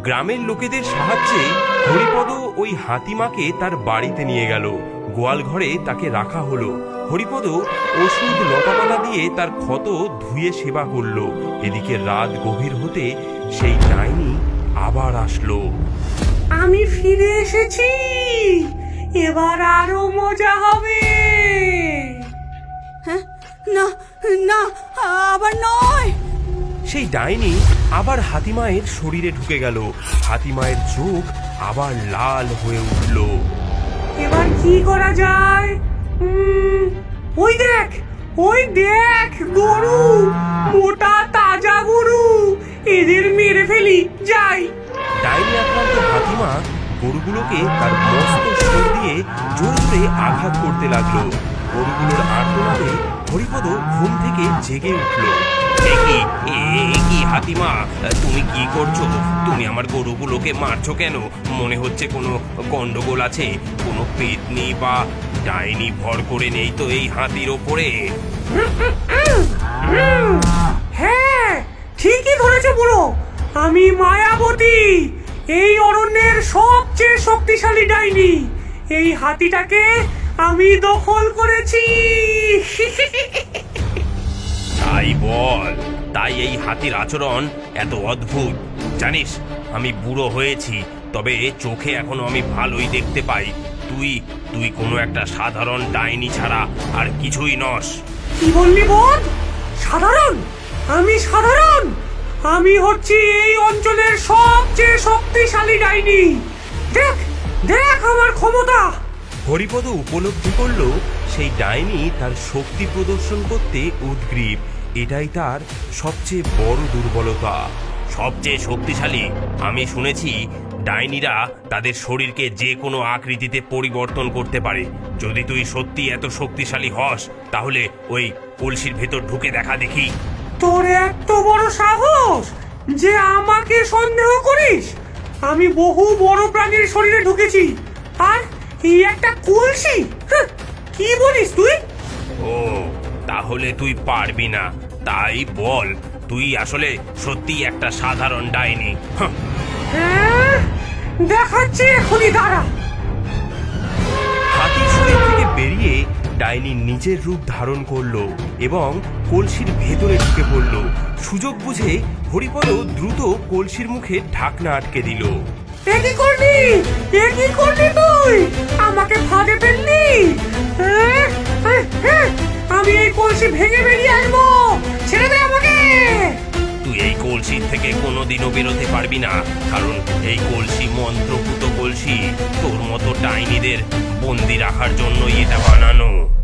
গ্রামের লোকেদের সাহায্যে হরিপদ ওই হাতিমাকে তার বাড়িতে নিয়ে গেল। গোয়াল ঘরে তাকে রাখা হলো। হরিপদ ওষুধ লতাপাতা দিয়ে তার ক্ষত ধুয়ে সেবা করলো। এদিকে রাত গভীর হতে সেই ডাইনি আবার আসলো। আমি ফিরে এসেছি, এবার আরো মজা হবে। হ্যাঁ, না না, আবার নয়। সেই ডাইনি আবার হাতিমায়ের শরীরে ঢুকে গেল। হাতিমায়ের চোখ আবার লাল হয়ে উঠল। এবার কি করা যায়? ওই দেখ, ওই দেখ, গরু, মোটা তাজা গরু, এদের মেরে ফেলি, যাই। ডাইনি আক্রান্ত হাতিমা গরুগুলোকে তার মস্ত সুর দিয়ে জোরে জোরে আঘাত করতে লাগলো। গরুগুলোর আর্তনাদে হরিপদ ঘুম থেকে জেগে উঠল। কি হাতিমা, তুমি কি করছো? তুমি আমার গরুগুলোকে মারছো কেন? মনে হচ্ছে কোনো গন্ডগোল আছে, কোনো পেতনি বা ডাইনি ভর করে নেই তো এই হাতির ওপরে? হ্যাঁ, ঠিকই ধরেছে বুড়ো, আমি মায়াবতী, এই অরণ্যের সবচেয়ে শক্তিশালী ডাইনি। এই হাতিটাকে আমি দখল করেছি। তাই বল, তাই এই হাতির আচরণ এত অদ্ভুত। জানিস, আমি বুড়ো হয়েছি, তবে চোখে এখনো আমি ভালোই দেখতে পাই। তুই তুই কোনো একটা সাধারণ ডাইনি ছাড়া আর কিছুই নস। কি বললি বোন? সাধারণ? আমি সাধারণ? আমি হচ্ছি এই অঞ্চলের সবচেয়ে শক্তিশালী ডাইনি। দেখ দেখ আমার ক্ষমতা। হরিপদ উপলব্ধি করল সেই ডাইনি তার শক্তি প্রদর্শন করতে উদগ্রীব। এটাই তার সবচেয়ে বড় দুর্বলতা। সবচেয়ে শক্তিশালী? আমি শুনেছি ডাইনিরা তাদের শরীরকে যে কোনো আকৃতিতে পরিবর্তন করতে পারে। যদি তুই সত্যি এত শক্তিশালী হস, তাহলে ওই কলসির ভেতর ঢুকে দেখা দেখি। তোর এত বড় সাহস যে আমাকে সন্দেহ করিস? আমি বহু বড় প্রাণীর শরীরে ঢুকেছি, আর এই একটা কলসি? কি বলিস তুই? ও, তাহলে তুই পারবি না। তাই বল, তুই আসলে সত্যি একটা সাধারণ ডাইনি? হ্যাঁ, দেখাচ্ছি এখনই, দাঁড়া। হাতির শরীর থেকে বেরিয়ে ডাইনি নিজের রূপ ধারণ করলো এবং কলসির ভেতরে ঢুকে পড়ল। সুযোগ বুঝে হরিপদ দ্রুত কলসির মুখে ঢাকনা আটকে দিল। এ কি করলি? এ কি করলি তুই? আমাকে ফাঁদে ফেললি? আমি এই কলসি ভেঙে বেরিয়ে আসবো, ছেড়ে দে আমাকে। তুই এই কলসির থেকে কোনোদিনও বেরোতে পারবি না, কারণ এই কলসি মন্ত্রপুত কলসি। তোর মতো ডাইনিদের বন্দি রাখার জন্যই এটা বানানো।